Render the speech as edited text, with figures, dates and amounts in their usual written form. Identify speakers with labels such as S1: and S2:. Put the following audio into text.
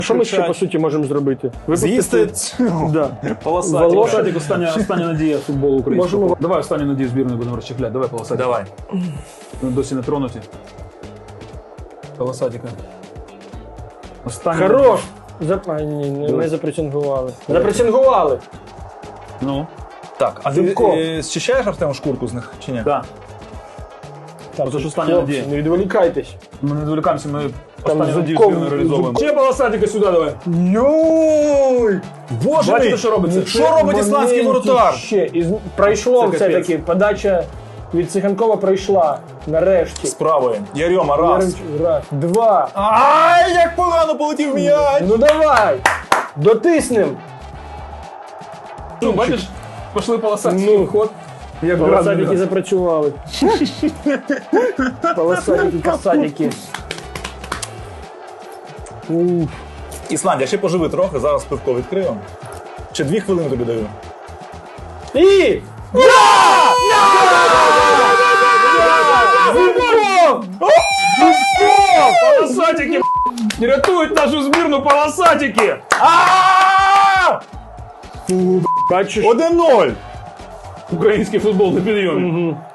S1: Що ми ще, по суті, можемо зробити?
S2: З'їсти
S1: Да.
S2: полосатик.
S3: Полосатик, остання надія футболу українського.
S1: Можемо-
S3: Давай останню надію збірної будемо розчехляти. Давай полосатик.
S2: Давай.
S3: Вони досі не тронуті. Полосатика. Останню.
S1: Хорош! Не запресингували. Запресингували!
S3: Ну,
S2: Так, а
S1: Зубко.
S2: ти зчищаєш, Артем, шкурку з них чи ні?
S3: так. Оце ж остання
S1: Хлопці,
S3: надія.
S1: не відволікайтесь.
S3: Ми не відволікаємося, ми
S1: Там
S3: останню надію
S1: зубком-
S3: збірної реалізовуємо. Ще полосатика сюди давай.
S2: Йой! Боже
S3: Бачите,
S2: мій!
S3: що робиться?
S2: Що робить ісландський
S1: Моменті
S2: воротар?
S1: Ще. Пройшло
S3: Це
S1: все-таки. Подача від Циганкова пройшла. Нарешті.
S2: Справою. Ярьома, раз.
S1: Раз. Два.
S2: Ай, як погано полетів м'яч!
S1: Ну давай! Дотиснем!
S3: Ну, бачиш, пішли полосатики.
S1: Ну,
S3: ход. Як
S1: Полосатики запрацювали. Полосатики, касатики. Уф.
S2: Ісландія, ще поживи трохи, зараз пивко відкрию. Ще 2 хвилини тобі даю.
S1: І!
S3: Полосатики, рятують нашу збірну полосатики.
S1: Бачиш?
S2: 1-0!
S3: Український футбол на підйомі.